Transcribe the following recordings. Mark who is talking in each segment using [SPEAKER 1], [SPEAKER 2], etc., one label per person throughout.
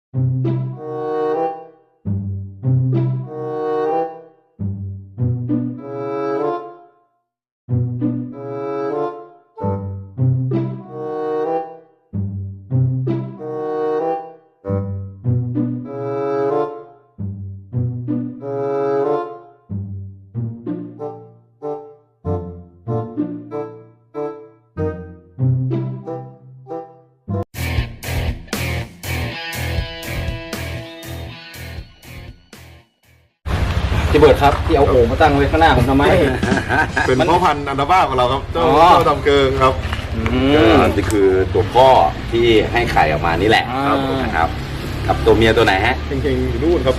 [SPEAKER 1] พี่เบิร์ดครับที่เอาโอ่งมาตั้งไว้ข้างหน้าผมทำไม
[SPEAKER 2] เป็นพ่อพันธุ์อันดาบ้าของเราครับเจ้าดำเกิงครับ
[SPEAKER 3] นี่คือตัวพ่อที่ให้ไข่ออกมานี่แหละนะครับกับตัวเมียตัวไหนฮะ
[SPEAKER 2] เก่งๆอยู่นู่นครับ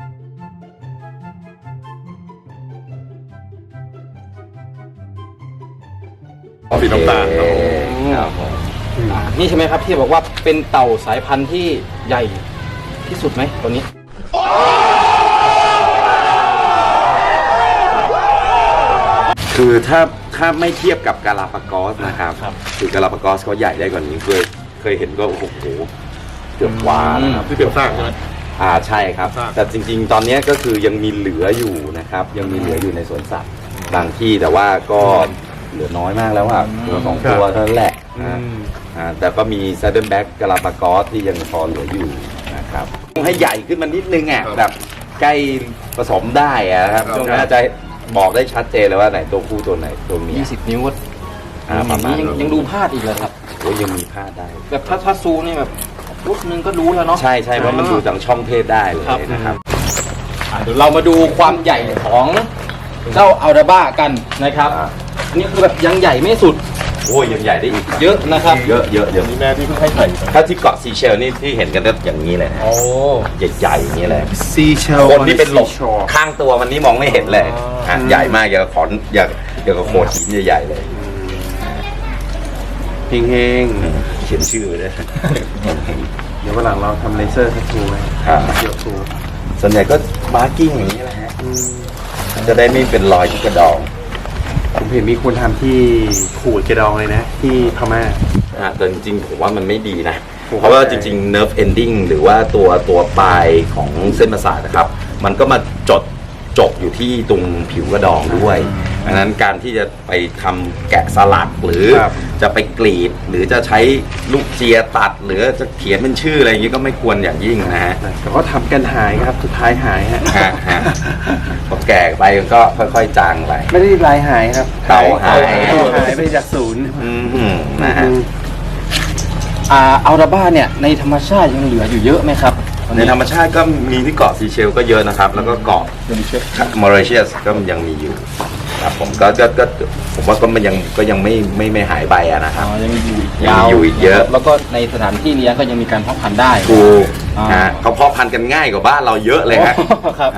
[SPEAKER 2] สีน้ำตาลครับ
[SPEAKER 1] นี่ใช่ไหมครับที่บอกว่าเป็นเต่าสายพันธุ์ที่ใหญ่ที่สุดไหมตัวนี้
[SPEAKER 3] คือถ้าไม่เทียบกับกาลาปากอสนะครับคือกาลาปากอสเขาใหญ่ได้กว่านี้เคยเห็นก็โอ้โหเกือบกว่านะครับ
[SPEAKER 2] ที่เป็นสร้างใช่ไหม
[SPEAKER 3] ใช่ครับแต่จริงๆตอนนี้ก็คือยังมีเหลืออยู่นะครับยังมีเหลืออยู่ในสวนสัตว์บางที่แต่ว่าก็เหลือน้อยมากแล้วครับตัวสองตัวเท่านั้นแหละแต่ก็มีซัดเดิลแบ็กกาลาปากอสที่ยังพอเหลืออยู่นะครับต้องให้ใหญ่ขึ้นมานิดนึงแบบใกล้ผสมได้ครับช่วงนั้นจะบอกได้ชัดเจนเลยว่าไหนตัวผู้ตัวไหนตัวเมีย
[SPEAKER 1] 20 นิ้วก็
[SPEAKER 3] ประมาณ
[SPEAKER 1] ยังดูพลาดอีกเลยครับ
[SPEAKER 3] โอ้ยังมีพลาดได้
[SPEAKER 1] แบบถ้าซูนี่แบบรูปนึงก็รู้แล้วเนาะ
[SPEAKER 3] ใช่เพราะมันดูจากช่องเพศได้เลยนะครับ
[SPEAKER 1] เดี๋ยวเรามาดูความใหญ่ของเจ้าอัลดาบ้ากันนะครับอันนี้คือแบบยังใหญ่ไม่สุด
[SPEAKER 3] โอ้ยังใหญ่ได้อีก
[SPEAKER 1] เยอะนะครับ
[SPEAKER 3] เยอะ
[SPEAKER 2] มีแม่ที่เพิ่งให้ไข่
[SPEAKER 3] ถ้าที่เกาะซีเชลนี่ที่เห็นกันก็อย่างนี้เลยนะใหญ่ๆอย่างนี้เลย
[SPEAKER 2] ซีเชล
[SPEAKER 3] คนที่เป็นหลบข้างตัวมันนี่มองไม่เห็นเลยใหญ่มากอย่างกับขอนอย่างกับโขดหินใหญ่ๆเลย
[SPEAKER 2] เฮง
[SPEAKER 3] เขียนชื่อเลย
[SPEAKER 2] เดี๋ยววันหลังเราทำเลเซอร์ทัทูไหมเกี่ยวทู
[SPEAKER 3] ส่วนใหญ่ก็มาร์กิ้งอย่างนี้แหละฮะจะได้ไม่เป็นรอยที่กระดอง
[SPEAKER 2] ผมเห็นมีคนทำที่ขูดกระดองเลยนะที่พม่า
[SPEAKER 3] แต่จริงๆผมว่ามันไม่ดีนะเพราะว่าจริงๆ nerve ending หรือว่าตัวปลายของเส้นประสาทนะครับมันก็มาจบอยู่ที่ตรงผิวกระดองด้วยดังนั้นการที่จะไปทำแกะสลักหรือจะไปกรีดหรือจะใช้ลูกเจียตัดหรือจะเขียนเป็นชื่ออะไรอย่างนี้ก็ไม่ควรอย่างยิ่งนะฮะ
[SPEAKER 2] แต่ก็ทำกันหายครับสุดท้ายหายฮะ
[SPEAKER 3] พอแก่ไปก็ค่อยๆจางไป
[SPEAKER 2] ไม่ได้ลายหายครับ
[SPEAKER 3] เต่าหาย
[SPEAKER 2] ไปจากศูนย์
[SPEAKER 3] นะฮะ
[SPEAKER 1] อัลดาบ้าเนี่ยในธรรมชาติยังเหลืออยู่เยอะไหมครับ
[SPEAKER 3] ในธรรมชาติก็มีที่เกาะซีเชลก็เยอะนะครับแล้วก็เกาะมอริเชียสก็ยังมีอยู่ครับผมก็ผมว่าก็มันยังไม่หายไปนะครับ
[SPEAKER 1] ยังมี
[SPEAKER 3] อยู่อีกเยอะ
[SPEAKER 1] แล้วก็ในสถานที่เลี้ยงก็ยังมีการเพาะพันธุ์ได้
[SPEAKER 3] ถูกเขาเพาะพันธุ์กันง่ายกว่าบ้านเราเยอะเลยครับ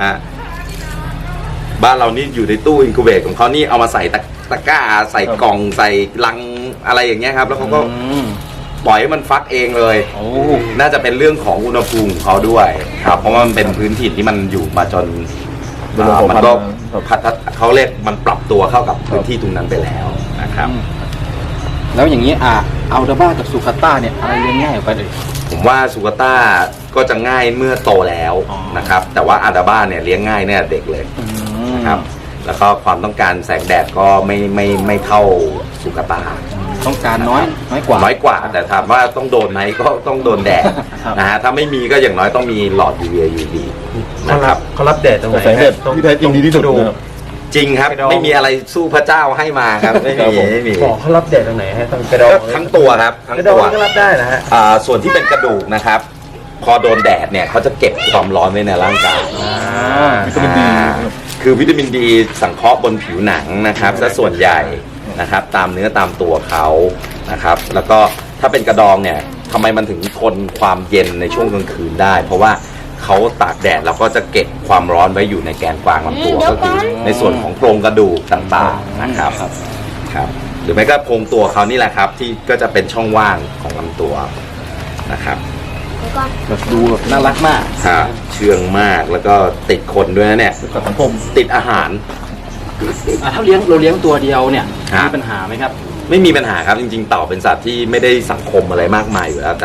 [SPEAKER 3] บ้านเรานี่อยู่ในตู้อินคูเบตของเขานี่เอามาใส่ตะกร้าใส่กล่องใส่ลังอะไรอย่างเงี้ยครับแล้วเขาก็ปล่อยให้มันฟักเองเลยน่าจะเป็นเรื่องของอุณหภูมิของเขาด้วยครับเพราะว่ามันเป็นพื้นถิ่นที่มันอยู่มาจนมันก็เขาเรียกมันปรับตัวเข้ากับพื้นที่ตรงนั้นไปแล้วนะครับ
[SPEAKER 1] แล้วอย่างนี้อัลดาบ้ากับซูคาต้าเนี่ยอะไรเลี้ยงง่ายกว่าเลย
[SPEAKER 3] ผมว่าซูคาต้าก็จะง่ายเมื่อโตแล้วนะครับแต่ว่าอัลดาบ้าเนี่ยเลี้ยงง่ายเนี่ยเด็กเลยนะครับแล้วก็ความต้องการแสงแดดก็ไม่เท่าซูคาต้า
[SPEAKER 1] ต้องการน้อยก
[SPEAKER 3] ว่าแต่ถามว่าต้องโดนไหมก็ต้องโดนแดดนะฮะถ้าไม่มีก็อย่างน้อยต้องมีหลอด UV นะครับ
[SPEAKER 2] เขารับแดดตรงไหน
[SPEAKER 1] ที่แท้จริงดีที่สุด
[SPEAKER 3] จริงครับไม่มีอะไรสู้พระเจ้าให้มาครับไม่มี
[SPEAKER 2] บอกเขารับแดดตรงไหนฮะตรงกระดอง
[SPEAKER 3] ทั้งตัวครับทั้งตัว
[SPEAKER 2] ก็รับได้นะฮะ
[SPEAKER 3] ส่วนที่เป็นกระดูกนะครับพอโดนแดดเนี่ยเขาจะเก็บความร้อนไว้ในร่างกาย
[SPEAKER 1] วิตามินดี
[SPEAKER 3] คือวิตามินดีสังเคราะห์บนผิวหนังนะครับซะส่วนใหญ่นะครับตามเนื้อตามตัวเขานะครับแล้วก็ถ้าเป็นกระดองเนี่ยทำไมมันถึงทนความเย็นในช่วงกลางคืนได้เพราะว่าเขาตากแดดแล้วก็จะเก็บความร้อนไว้อยู่ในแกนกลางลำตัวก็คือในส่วนของโครงกระดูกต่างๆนะครับหรือไม่ก็โครงตัวเขานี่แหละครับที่ก็จะเป็นช่องว่างของลำตัวนะครับ
[SPEAKER 1] แบบดูแบบน่ารักมาก
[SPEAKER 3] เชื่องมากแล้วก็ติดคนด้วยนะเนี่ยติดอาหาร
[SPEAKER 1] ถ้าเราเลี้ยงตัวเดียวเนี่ยมีปัญหาไหมครับ
[SPEAKER 3] ไม่มีปัญหาครับจริงๆเต่าเป็นสัตว์ที่ไม่ได้สังคมอะไรมากมายอยู่แล้วแต่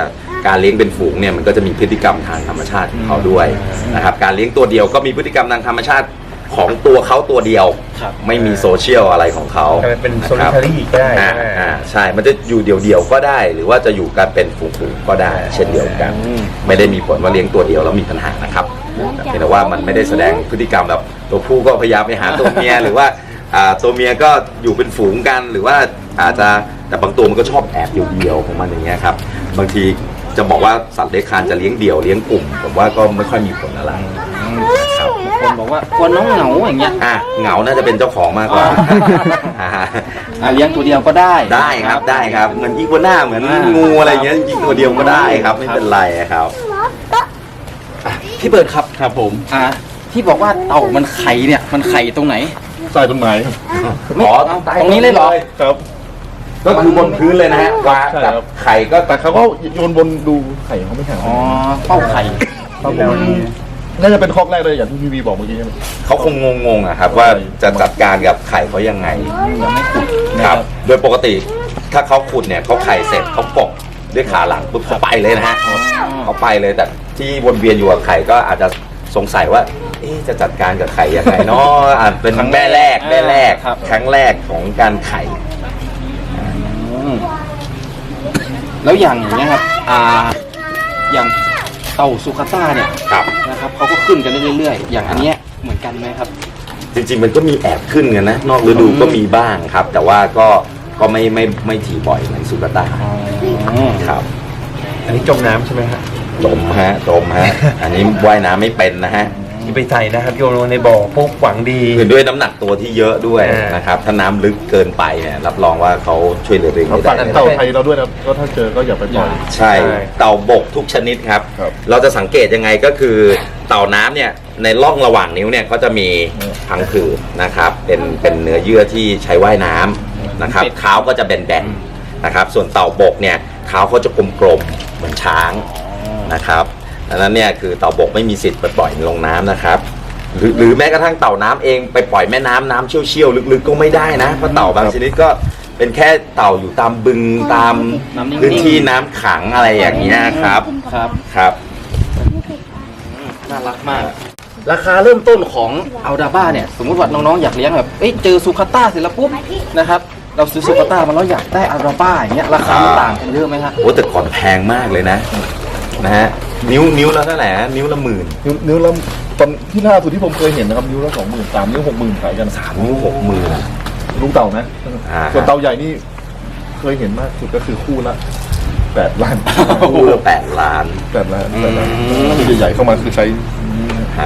[SPEAKER 3] การเลี้ยงเป็นฝูงเนี่ยมันก็จะมีพฤติกรรมทางธรรมชาติของเขาด้วยนะครับการเลี้ยงตัวเดียวก็มีพฤติกรรมทางธรรมชาติของตัวเขาตัวเดียว
[SPEAKER 1] ครับ
[SPEAKER 3] ไม่มีโซเชียลอะไรของเขา
[SPEAKER 2] เป็นโซลิทารี่ก็ได้
[SPEAKER 3] ใช่ มันจะอยู่เดี่ยวๆก็ได้ หรือว่าจะอยู่กันเป็นฝูงๆก็ได้ เช่นเดียวกัน ไม่ได้มีผลว่าเลี้ยงตัวเดียวแล้วมีปัญหานะครับเพียงแต่ว่ามันไม่ได้แสดงพฤติกรรมแบบตัวผู้ก็พยายามไปหาตัวเมีย หรือว่าตัวเมียก็อยู่เป็นฝูงกัน หรือว่าอาจจะแต่บางตัวมันก็ชอบแอบเดี่ยวๆของมันอย่างเงี้ยครับบางทีจะบอกว่าสัตว์เลื้อยคลานจะเลี้ยงเดี่ยวเลี้ยงกลุ่มผมว่าก็ไม่ค่อยมีผลอะไรครับ
[SPEAKER 1] คนบอกว่ากลัวน้องเหงาอย่างเงี้ย
[SPEAKER 3] เหงาน่าจะเป็นเจ้าของมากกว่า
[SPEAKER 1] เลี้ยงตัวเดียวก็ได้
[SPEAKER 3] ได้ครับได้ครับเหมือนอีกัวน่าเหมือนงูอะไรเงี้ยจริงๆตัวเดียวก็ได้ครับไม่เป็นไรครับ
[SPEAKER 1] พี่เบิร์ดครับ
[SPEAKER 2] ครับผม
[SPEAKER 1] ที่บอกว่าเต่ามันไข่เนี่ยมันไข่ตรงไหน
[SPEAKER 2] ใต้ต้นไม้ครับ
[SPEAKER 1] ไม่ตรงนี้เลยเหรอ
[SPEAKER 2] ครับ
[SPEAKER 3] ก็คือบนพื้นเลยนะฮะวาง
[SPEAKER 2] ใช่
[SPEAKER 3] กับ
[SPEAKER 2] ครับ
[SPEAKER 3] ไข่ก็
[SPEAKER 2] แต่เขาก็โยนบนดูไข่เขาไม่แข็ง
[SPEAKER 1] อ๋อเป้าไข่
[SPEAKER 2] ครับผมน่าจะเป็นคอกแรกเลยอย่างที่พี่วีบอกเมื่อกี้ใช่ไหม
[SPEAKER 3] เขาคงงงๆอะครับว่าจะจัดการกับไข่เขายังไง
[SPEAKER 1] ยังไม่ขุด
[SPEAKER 3] ครับ โดยปกติถ้าเขาขุดเนี่ยเขาไข่เสร็จเขาปกด้วยขาหลังปุ๊บเขาไปเลยนะฮะเขาไปเลยแต่ที่วนเวียนอยู่กับไข่ก็อาจจะสงสัยว่าจะจัดการกับไข่ยังไงเนาะอาจเป็นแม่แรกครั้งแรกของการไข่
[SPEAKER 1] แล้วอย่างเนี้ยครับอย่างเต่าซูคาต้าเนี่ย
[SPEAKER 3] ครับ
[SPEAKER 1] นะครับเขาก็ขึ้นกันเรื่อยๆอย่างอันเนี้ยเหมือนกันไหมครับ
[SPEAKER 3] จริงๆมันก็มีแอบขึ้นกันนะนอกฤดูก็มีบ้างครับ แต่ว่าก็ไม่ถี่บ่อยเหมือนสุกาตาครับ
[SPEAKER 2] อันนี้จมน้ำใช่ไหมฮะ
[SPEAKER 3] จมฮะ อันนี้ว่ายน้ำไม่เป็นนะฮะ
[SPEAKER 2] ที่ไปใส่นะครับโยนลงในบ่อพวกหวังดี
[SPEAKER 3] คือด้วยน้ำหนักตัวที่เยอะด้วย
[SPEAKER 2] อ่าน
[SPEAKER 3] นะครับถ้าน้ำลึกเกินไปเนี่ยรับรองว่าเขาช่วยเหลือตัวเอง
[SPEAKER 2] เขา
[SPEAKER 3] ไม่
[SPEAKER 2] ฝาก
[SPEAKER 3] ได้
[SPEAKER 2] เต่าไทยเราด้วยนะก็ถ้าเจอก็อย่าไปปล่อย
[SPEAKER 3] ใช่เต่าบกทุกชนิดครับ
[SPEAKER 2] ครับ
[SPEAKER 3] เราจะสังเกตยังไงก็คือเต่าน้ำเนี่ยในร่องระหว่างนิ้วเนี่ยเขาจะมีพังผืดนะครับเป็นเนื้อเยื่อที่ใช้ว่ายน้ำนะครับเท้าก็จะแบนๆนะครับส่วนเต่าบกเนี่ยเท้าเขาจะกลมๆเหมือนช้างนะครับดังนั้นเนี่ยคือเต่าบกไม่มีสิทธิ์ไปปล่อยลงน้ำนะครับหรือแม้กระทั่งเต่าน้ำเองไปปล่อยแม่น้ำเชี่ยวๆลึกๆก็ไม่ได้นะเพราะเต่าบางชนิดก็เป็นแค่เต่าอยู่ตามบึงตาม
[SPEAKER 1] น้ำนิ่งๆ
[SPEAKER 3] พื้นที่น้ำขังอะไรอย่างเงี้ยครับ
[SPEAKER 1] ครับ
[SPEAKER 3] ครับ
[SPEAKER 1] น่ารักมาก ราคาเริ่มต้นของอัลดาบ้าเนี่ยสมมติว่าน้องๆอยากเลี้ยงแบบเจอซูคาต้าเสร็จแล้วปุ๊บนะครับเราซื้อซูคาต้ามาแล้วอยากได้อัลดาบ้าอย่างเงี้ยราคามันต่างกันเยอะไหมฮะ
[SPEAKER 3] โอ้แต่ก่อนแพงมากเลยนะฮะนิ้วละเท่าไหร่ฮะนิ้วละ 10,000
[SPEAKER 2] นิ้วละตอนที่ล่าสุดที่ผมเคยเห็นนะครับนิ้วละ20,000 3 นิ้ว 60,000ขายกัน
[SPEAKER 3] นิ้ว60,000
[SPEAKER 2] ลูกเต่านะ
[SPEAKER 3] อ่า
[SPEAKER 2] ส่วนเต่าใหญ่นี่เคยเห็นมากสุดก็คือคู่ละ8 ล้าน
[SPEAKER 3] คู่ละ8 ล้าน
[SPEAKER 2] 8 ล้านคือใหญ่ๆเข้ามาคือใช้
[SPEAKER 3] อ่า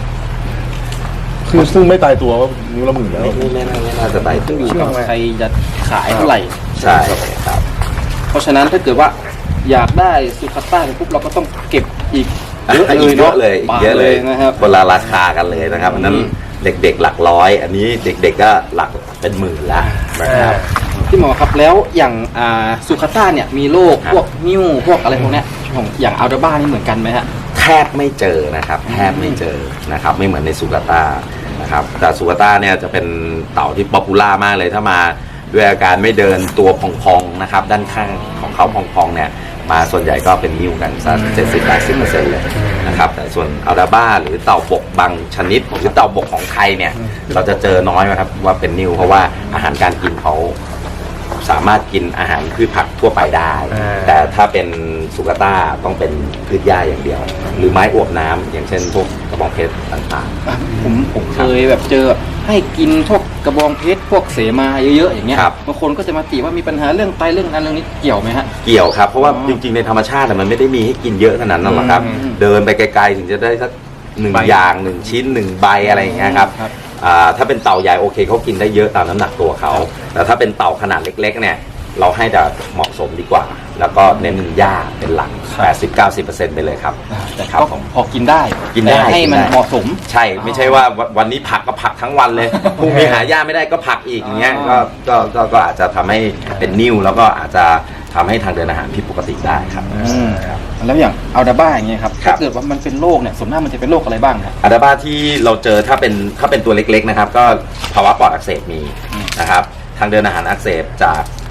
[SPEAKER 2] คือซึ่งไม่ตายตัวว่านิ้วละ10,000แล้ว
[SPEAKER 3] ไม่น่าจะไป
[SPEAKER 1] ขึ้นอยู่กับใครจะขายเท่าไหร่
[SPEAKER 3] ใช่ครับ
[SPEAKER 1] เพราะฉะนั้นถ้าเกิดว่าอยากได้ซูคาต้าปุ๊บเราก็ต้องเก็บอีกเยอะเลย
[SPEAKER 3] เยอะเลย
[SPEAKER 1] บาท
[SPEAKER 3] เยอะเลย
[SPEAKER 1] นะครับ
[SPEAKER 3] คนละราคากันเลยนะครับอันนั้นเด็กๆหลักร้อย อันนี้เด็กๆก็หลักเป็นหมื่นละนะครับ
[SPEAKER 1] พี่หมอครับแล้วอย่างซูคาต้าเนี่ยมีโรคพวกนิ้วพวกอะไรพวกเนี้ยของอย่างอัลดาบ้านี่เหมือนกันไหมฮะ
[SPEAKER 3] แทบไม่เจอนะครับแทบไม่เจอนะครับไม่เหมือนในสุกาต้านะครับแต่สุกาต้าเนี่ยจะเป็นเต่าที่ป๊อปปูล่ามากเลยถ้ามาด้วยอาการไม่เดินตัวพองๆนะครับด้านข้างของเขาพองๆเนี่ยมาส่วนใหญ่ก็เป็นนิ้วกันสัก70-80% เลยนะครับแต่ส่วนอัลดาบ้าหรือเต่าบกบางชนิดหรือเต่าบกของไทยเนี่ยเราจะเจอน้อยนะครับว่าเป็นนิ้วเพราะว่าอาหารการกินเขาสามารถกินอาหารพืชผักทั่วไปได้ แต่ถ้าเป็นสุกาต้าต้องเป็นพืชหญ้าอย่างเดียว หรือไม้อวบน้ำอย่างเช่นพวกกระบองเพชรต่าง
[SPEAKER 1] ผมเคยแบบเจอให้กินพวกกระบองเพชรพวกเสมาเยอะๆอย่างเงี้ยบางคนก็จะมาติว่ามีปัญหาเรื่องไตเรื่องนั้นเรื่องนี้เกี่ยวไหมฮะ
[SPEAKER 3] ๆเกี่ยวครับเพราะว่าจริงๆในธรรมชาติมันไม่ได้มีให้กินเยอะขนาดนั้นหรอกครับ เดินไปไกลๆถึงจะได้สัก1 อย่าง1 ชิ้น1 ใบอะไรอย่างเงี้ยครับถ้าเป็นเต่าใหญ่โอเคเขากินได้เยอะตามน้ำหนักตัวเขาแต่ถ้าเป็นเต่าขนาดเล็กๆเนี่ยเราให้แต่เหมาะสมดีกว่า แล้วก็เน้นหญ้าเป็นหลัก 80-90% ไปเลยครับ
[SPEAKER 1] แต่
[SPEAKER 3] ครับ
[SPEAKER 1] ก็
[SPEAKER 3] ผม
[SPEAKER 1] พอกินได้
[SPEAKER 3] กินได้
[SPEAKER 1] แต่ให้มัน
[SPEAKER 3] กินได้
[SPEAKER 1] เหมาะสม
[SPEAKER 3] ใช่ไม่ใช่ว่าวันนี้ผักก็ผักทั้งวันเลยพรุ่งนี้หาหญ้าไม่ได้ก็ผักอีกอย่างเงี้ยก็อาจจะทำให้เป็นนิ่วแล้วก็อาจจะทำให้ทางเดินอาหารผิดปกติได้ครับ
[SPEAKER 1] แล้วอย่างอัลดาบ้าอย่างเงี้ยครับ
[SPEAKER 3] ครั
[SPEAKER 1] ถ้า
[SPEAKER 3] บ
[SPEAKER 1] เกิดว่ามันเป็นโรคเนี่ยส่วนมากมันจะเป็นโรคอะไรบ้างครับ
[SPEAKER 3] อัลดาบ้าที่เราเจอถ้าเป็นตัวเล็กๆนะครับก็ภาวะปอดอักเสบมีนะครับทางเดินอาหารอักเสบ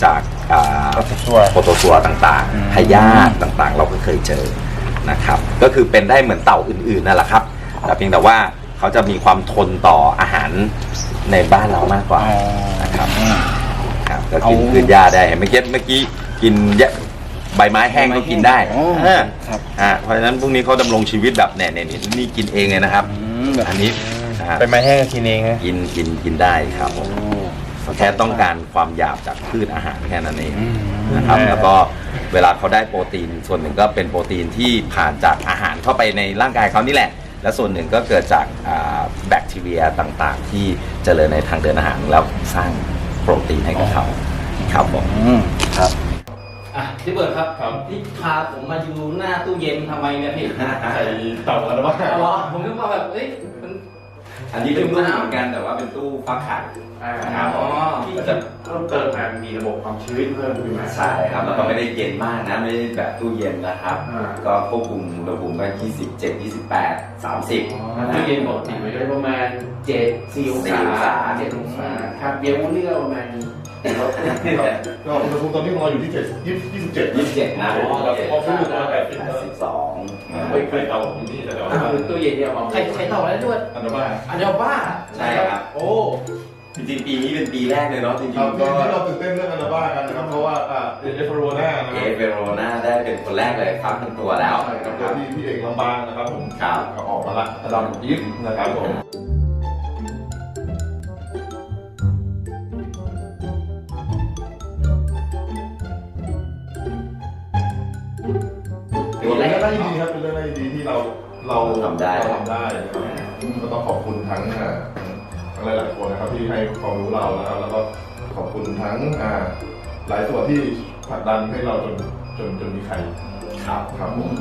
[SPEAKER 3] จากโปรโตซัวต่างๆพยาธิต่างๆ เราก็เคยเจอนะครับก็คือเป็นได้เหมือนเต่าอื่นๆนั่นแหละครับแต่เพียงแต่ว่าเขาจะมีความทนต่ออาหารในบ้านเรามากกว่านะครับก็กินพืชหญ้าได้เมื่อกี้กินใบไม้แห้งก็กินได้เพราะฉะนั้นพวกนี้เขาดำรงชีวิตแบบนี่กินเองเลยนะครับอันนี้
[SPEAKER 2] ใบไม้แห้งกินเองนะ
[SPEAKER 3] กินได้ครับแค่ต้องการความหยาบจากพืชอาหารแค่นั้นเองนะครับแล้วก็เวลาเขาได้โปรตีนส่วนหนึ่งก็เป็นโปรตีนที่ผ่านจากอาหารเข้าไปในร่างกายเขานี่แหละและส่วนหนึ่งก็เกิดจากแบคทีเรียต่างๆที่เจริญในทางเดินอาหารแล้วสร้างโปรตีนให้กับเขาครับผม
[SPEAKER 1] ครับพี่เบิร์ดครับที่พาผมมาอยู่หน้าตู้เย็นทำไมเนี่ยพี่
[SPEAKER 2] ใส่เต่ากันหรือเปล่า
[SPEAKER 1] ผมนึกว่าแบบ
[SPEAKER 3] อันนี้เป็นตู้เหมือนกันแต่ว่าเป็นตู้ฟักไข่
[SPEAKER 2] ครับที่จะเพิ่มเติมมามีระบบความชื้นเพิ่มขึ้นมา
[SPEAKER 3] ใช่ครับแล้วก็ไม่ได้เย็นมากนะไม่ได้แบบตู้เย็นนะครับก็ควบคุมอุณหภูมิก็27 28 30
[SPEAKER 2] ตู้เย็นปกติไว้ได้ประมาณ4 องศา7 องศาครับเย็นวันนี้ก็ประมาณก็อุณหภูมิตอนนี้ของเราอยู่ที่27
[SPEAKER 3] นะ
[SPEAKER 2] พอขึ้นอยู่ประมาณ82ไม่เคยเตาอยู่ที่แต่ว่าตู้เย็นเนี่ย
[SPEAKER 1] ใครเตาอะไรด้วย
[SPEAKER 2] อันดับบ้า
[SPEAKER 3] ใช่ครับ
[SPEAKER 1] โอ้
[SPEAKER 3] จริงๆปีนี้เป็นปีแรกเลยเนาะจริงๆ
[SPEAKER 2] ก็เราตื่นเต้นเรื่องอันดับบ้ากันนะครับเพราะว่าเอเฟโร
[SPEAKER 3] นาได้เป็นคนแรกเลยครับเป็นตัวแล้ว
[SPEAKER 2] ครับที่พี่เอกลำบางนะครับผม
[SPEAKER 3] ครับ
[SPEAKER 2] ออกมาละลำยิบนะครับผมเป็นเรื่องน่ายินดีครับเป็นเรื่องน่ายินดีที่เรา
[SPEAKER 3] ทำได้
[SPEAKER 2] นะครับก็ต้องขอบคุณทั้งหลายๆคนนะครับที่ให้ความรู้เรานะครับแล้วก็ขอบคุณทั้งหลายส่วนที่ผลักดันให้เราจนมีใครครับผม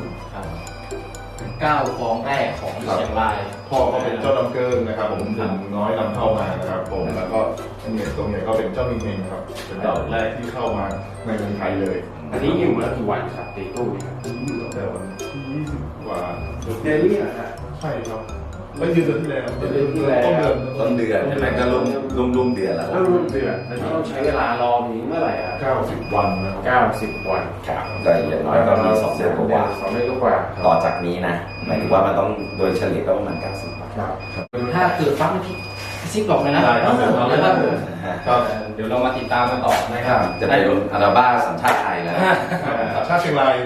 [SPEAKER 1] 9 ฟองแรกของเชียงราย
[SPEAKER 2] พ่อก็เป็นเจ้าดำเกินนะครับผมถึงน้อยนำเข้ามานะครับผมแล้วก็เนี่ยตรงนี้ก็เป็นเจ้ามิงเฮงครับเป็นดอกแรกที่เข้ามาในเมืองไทยเลยอันนี้อยู่มากี่วันครับตีตู้ครับอยู่ตั้งแต่วันที่20 กว่าเดือนนี้นะใช่ครับไม่ยืนเดือนที่แล้วต้นเ
[SPEAKER 3] ดือนใช่ไหมก็รุ่มเดือนแล้ว
[SPEAKER 2] รุ่มเดือนแล้วต้องใช้เวลารอนี้เมื่อไหร่90 วันนะครับ90 วัน
[SPEAKER 3] ครับแต่อย่างน้อยก็มี2 เดือนกว่า
[SPEAKER 2] 2 เดือนกว่า
[SPEAKER 3] ต่อจากนี้นะหมายถึงว่ามันต้องโดยเฉลี่ยก็ประมาณ90 วัน
[SPEAKER 1] ถ้าเกิดฟังพี่ซิปบอกเลยนะเดี๋ยวเรามาติดตามกันต่อนะครับ
[SPEAKER 3] จะเป็นอาราบ้าสัญชาติไทยแล้ว
[SPEAKER 2] สัญชาติเชียงราย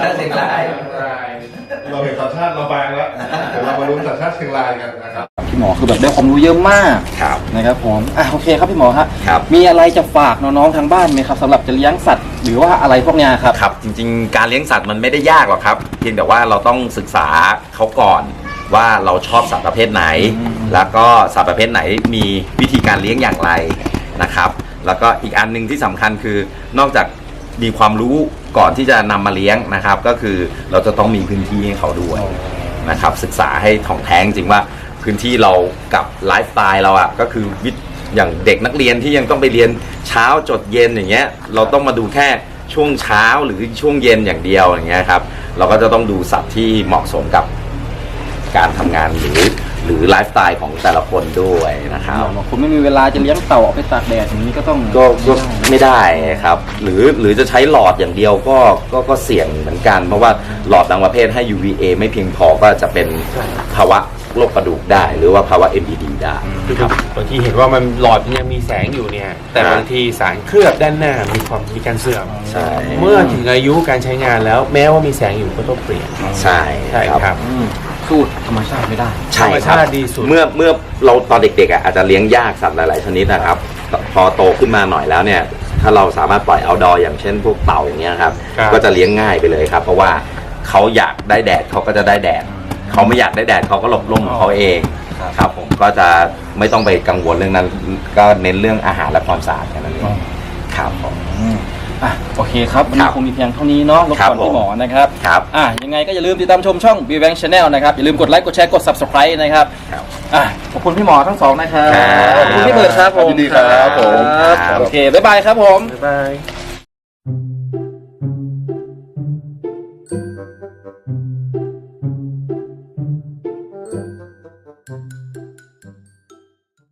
[SPEAKER 2] เราเห็นสัญชาติเราบางแล้วเดี๋ยวเรามาลุ้นสัญชาติเชียงรายกันนะครับ
[SPEAKER 1] พี่หมอคือแบบได้ความรู้เยอะมากนะครับผมโอเคครับพี่หมอครับมีอะไรจะฝากน้องๆทางบ้านไหมครับสำหรับจะเลี้ยงสัตว์หรือว่าอะไรพวกนี้ครับ
[SPEAKER 3] ครับจริงๆการเลี้ยงสัตว์มันไม่ได้ยากหรอกครับเพียงแต่ว่าเราต้องศึกษาเขาก่อนว่าเราชอบสัตว์ประเภทไหนแล้วก็สัตว์ประเภทไหนมีวิธีการเลี้ยงอย่างไรนะครับแล้วก็อีกอันนึงที่สำคัญคือนอกจากมีความรู้ก่อนที่จะนำมาเลี้ยงนะครับก็คือเราจะต้องมีพื้นที่ให้เขาด้วยนะครับศึกษาให้ถ่องแท้จริงว่าพื้นที่เรากับไลฟ์สไตล์เราก็คืออย่างเด็กนักเรียนที่ยังต้องไปเรียนเช้าจดเย็นอย่างเงี้ยเราต้องมาดูแค่ช่วงเช้าหรือช่วงเย็นอย่างเดียวอย่างเงี้ยครับเราก็จะต้องดูสัตว์ที่เหมาะสมกับการทำงานหรือไลฟ์สไตล์ของแต่ละคนด้วยนะครับ
[SPEAKER 1] คุณไม่มีเวลาจะเลี้ยงเต่าออกไปตากแดดอย่างนี้ก็ต้อง
[SPEAKER 3] ก็ไม่ได้ครับหรือจะใช้หลอดอย่างเดียวก็เสี่ยงเหมือนกันเพราะว่าหลอดบางประเภทให้ UVA ไม่เพียงพอก็จะเป็นภาวะโรคกระดูกได้หรือว่าภาวะ MPD ได้
[SPEAKER 2] ครับบางทีเห็นว่ามันหลอดมันยังมีแสงอยู่เนี่ยแต่บางทีสารเคลือบด้านหน้ามีการเสื่อมเมื่อถึงอายุการใช้งานแล้วแม้ว่ามีแสงอยู่ก็ต้องเปลี่ยน
[SPEAKER 3] ใช่
[SPEAKER 2] ครับ
[SPEAKER 1] สู้ธรรมชาติไม่ได้
[SPEAKER 3] ธรรมชาติดีสุดเมื่อเราตอนเด็กๆอาจจะเลี้ยงยากสัตว์หลายๆชนิดนะครับพอโตขึ้นมาหน่อยแล้วเนี่ยถ้าเราสามารถปล่อยเอาท์ดอร์อย่างเช่นพวกเต่าอย่างเงี้ยครับก็จะเลี้ยงง่ายไปเลยครับเพราะว่าเขาอยากได้แดดเขาก็จะได้แดดเขาไม่อยากได้แดดเขาก็หลบร่มของเขาเองครับผมก็จะไม่ต้องไปกังวลเรื่องนั้นก็เน้นเรื่องอาหารและความสะอาดแค่นั้นเองครับผม
[SPEAKER 1] โอเคครับวันนี้คงมีเพียงเท่านี้เนาะรบกวนพี่หมอนะครับยังไงก็อย่าลืมติดตามชมช่อง BBank Channel นะครับอย่าลืมกดไลค์กดแชร์กด Subscribe นะครับขอบคุณพี่หมอทั้งสองนะครับขอบคุณพี่เบิร์ดครับผม
[SPEAKER 2] ยินดีครับผม
[SPEAKER 1] โอเคบ๊ายบายครับผม
[SPEAKER 2] บ๊ายบาย